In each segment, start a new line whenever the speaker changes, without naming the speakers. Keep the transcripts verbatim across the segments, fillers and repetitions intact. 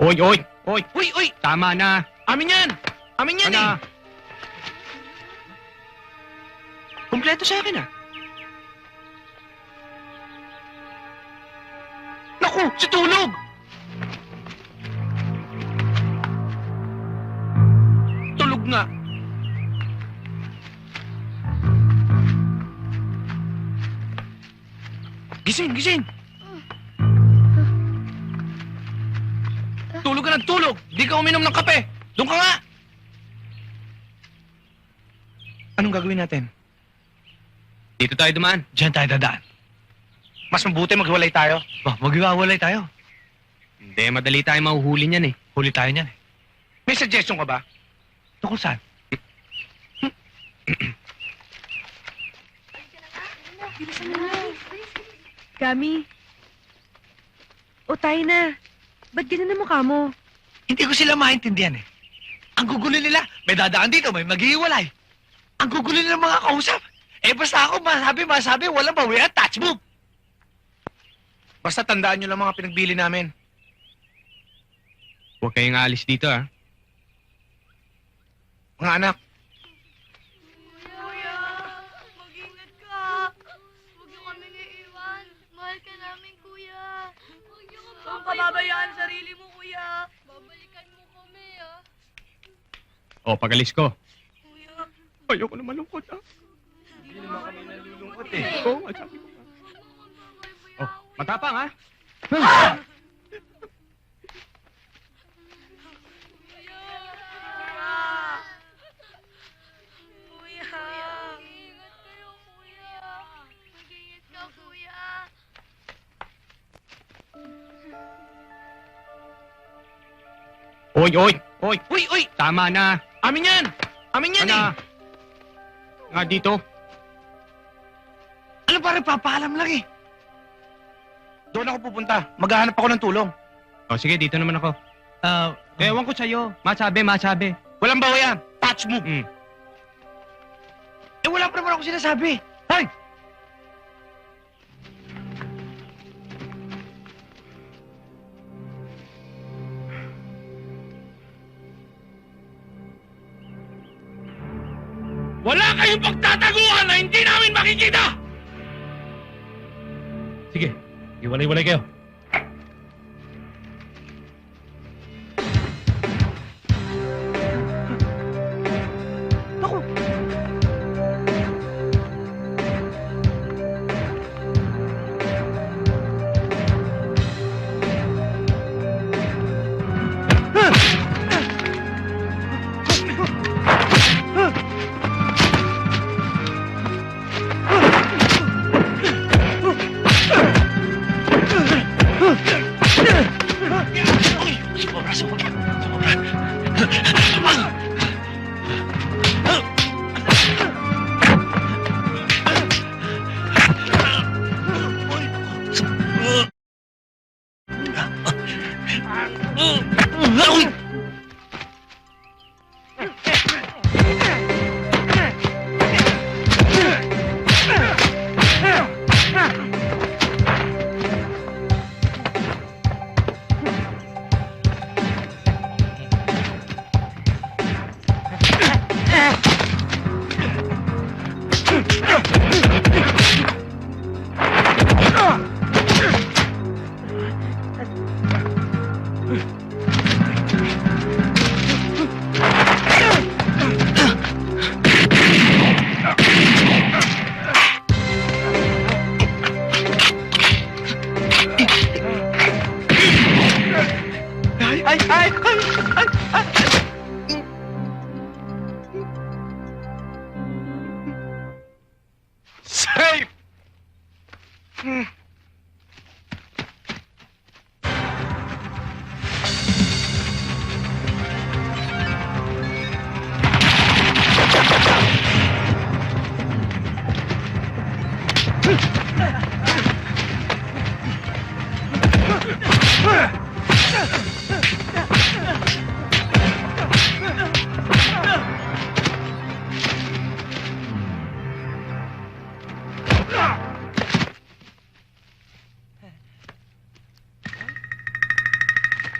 Oy, oy, oy!
Uy, uy!
Tama na!
Amin yan! Amin yan
Ano?
eh! Kumpleto sa akin ah. Naku! Si Tulog! Tulog nga. Gising, gising! Tulog ka ng tulog! Di ka uminom ng kape! Doon ka nga! Anong gagawin natin?
Dito tayo dumaan.
Diyan tayo dadaan.
Mas mabuti maghiwalay tayo.
Ba, maghiwalay tayo.
Hindi, madali tayo mahuhuli niyan eh.
Huli tayo niyan eh.
May suggestion ka ba?
Tungkol saan?
Gami. O tayo na. Ba't ganun ang mukha mo?
Hindi ko sila maintindihan eh. Ang gugulo nila, may dadaan dito, may maghihiwalay. Ang gugulo nila mga kausap. Eh basta ako, masabi, masabi, walang bawian, touch move.
Basta tandaan nyo lang mga pinagbili namin.
Huwag kayong aalis dito ah.
Mga anak,
Kuya, mag-ingat ka. Huwag niyo kaming iiwan. Mahal ka namin, kuya. Huwag niyo kami
Huwag pababayaan ang sarili mo, kuya.
Babalikan mo kami, ah.
O, pagalis ko.
Kuya,
Ayoko na malungkot ah.
hindi naman kami nalulungkot
Eh, oo, ang sabi ko. Oh, matapang ah.
Kuya, mag-ingat kayo, kuya. Mag-ingat ka, kuya.
Oy, oy, oy!
uy, uy!
Tama na!
Amin yan! Amin yan
Ano?
eh!
Nga dito.
Ano ba rin, papaalam lang eh. Doon ako pupunta. Maghahanap ako ng tulong.
O, sige, dito naman ako.
Ah,
Ewan ko sa'yo. Masabi, masabi.
Walang bawayan. Touch move.
Mm.
Eh wala pa naman ako sinasabi. Hoy! Wala kayong pagtataguan na hindi namin makikita!
sige, iwalay-walay kayo.
Sobra, sobra, sobra. Ay, ay, ay, ay, ay, ay. Safe! Hmm.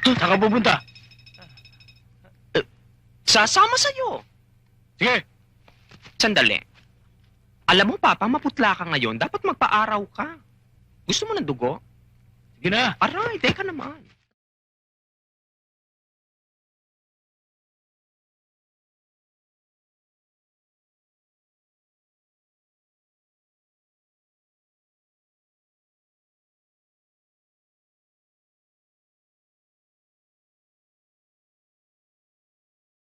Saan ka pupunta?
Sasama sa'yo.
Sige.
Sandali. Alam mo, Papa, maputla ka ngayon. Dapat magpa-araw ka. Gusto mo ng dugo?
Sige na.
Aray, teka naman.